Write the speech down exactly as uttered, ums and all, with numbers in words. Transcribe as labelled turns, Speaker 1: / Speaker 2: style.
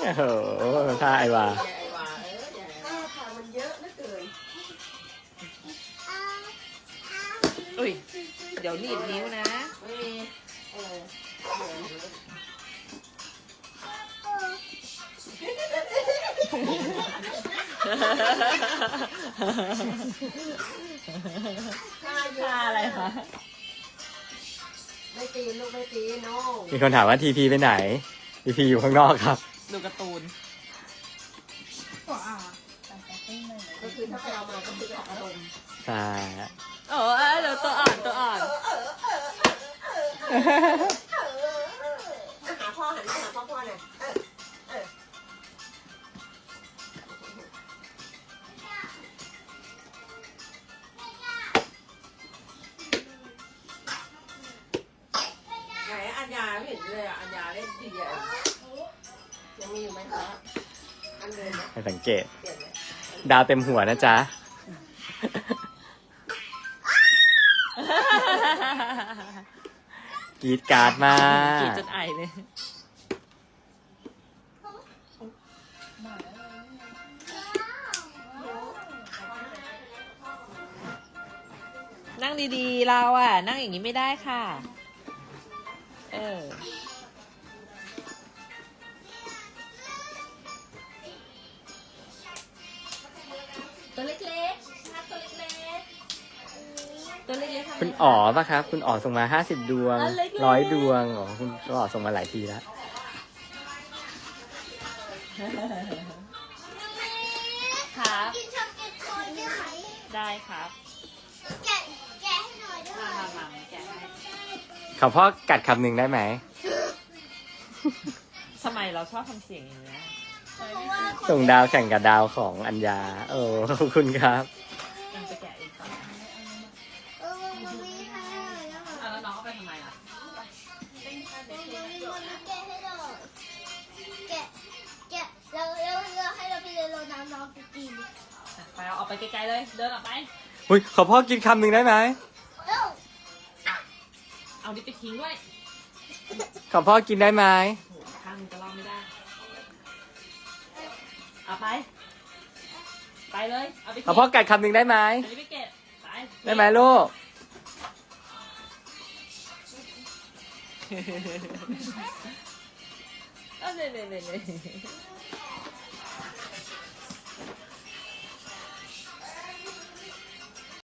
Speaker 1: โอ้โหท่าไอวา
Speaker 2: ไอ้วาเออท่าทางมันเยอะเหลือเกิน
Speaker 3: อุ้ยเดี๋ยวหนีบนิ้วนะ
Speaker 2: ไม่มีเออ
Speaker 3: ท่าอะไรคะ
Speaker 2: ไม่ตีลูกไม่ตีน้อง
Speaker 1: มีคนถามว่าทีพีไปไหนทีพีอยู่ข้างนอกครับ
Speaker 3: ดูการ์ตูน
Speaker 2: ก็คือถ้าไปเอามาก็คือไปออกอารมณ์
Speaker 1: ใช่
Speaker 3: โอ้เดี๋ยวตัวอ่อนตัวอ่อน
Speaker 2: หาพ่อหันมาหาพ่อพ่อหน่อยไหนอัญญาไม่เห็นเลยอ่ะอัญญาเล่นดีอ่ะยังมีอยู่ไหมคะอันเดิม
Speaker 1: ให้สังเกต
Speaker 2: เปลี่ยนเลย
Speaker 1: ดาวเต็มหัวนะจ๊ะกรีดการ์ดมาก
Speaker 3: รีดจนไอเลยนั่งดีๆเราอ่ะนั่งอย่างนี้ไม่ได้ค่ะเออตัวเล็กๆตัวเล็กๆตัวเล็กๆ
Speaker 1: คุณอ๋อป่ะครับ คุณอ๋อส่งมาห้าสิบดวงร้อยดวงอ๋อคุณอ๋อส่งมาหลายทีแล้ว
Speaker 3: ครับ
Speaker 4: กินช็อกโกแลตโคนได้ไหม
Speaker 3: ได้ครับ
Speaker 4: แกะแกะให้หน่อยได้ไหม
Speaker 3: มามามาแกะให้
Speaker 1: ขอพ่อกัดคำหนึ่งได้ไหม
Speaker 3: ทำไมเราชอบทำเสียงอย่างนี้ย
Speaker 4: เพราะว่าคน
Speaker 1: ส่งดาวแข่งกับดาวของอัญญาโอ้ขอบคุณครับ
Speaker 3: เองไปแกะเองก่อน
Speaker 4: เออมันมีให้หน่อยนะคะ
Speaker 3: เอาแล้วน้องเอาไปทำไมล่ะ
Speaker 4: มันมีมันแกะให้หน่อยแกะแกะแล้วแล้วแล้วให้เราไปเลยเราน้ำน้องไปกิน
Speaker 3: ไปเอาออกไปไกลๆเลย เดินออกไป
Speaker 1: อุ้ยขอพ่อกินคำหนึ่งได้ไหม
Speaker 4: เอ้า
Speaker 3: เอาดิไปทิ้งด้วย
Speaker 1: ขอพ่อกินได้ไหม
Speaker 3: โอ้โหข้างนึงจะรอดไม่ได้เอาไป ไปเลย เอาไป
Speaker 1: ขอพ่อกัดคำหนึ่งได้ไหม
Speaker 3: อันนี้ไปเก็บไป
Speaker 1: ได้ไหมลูก
Speaker 3: เอาเลยเลยเลยเลย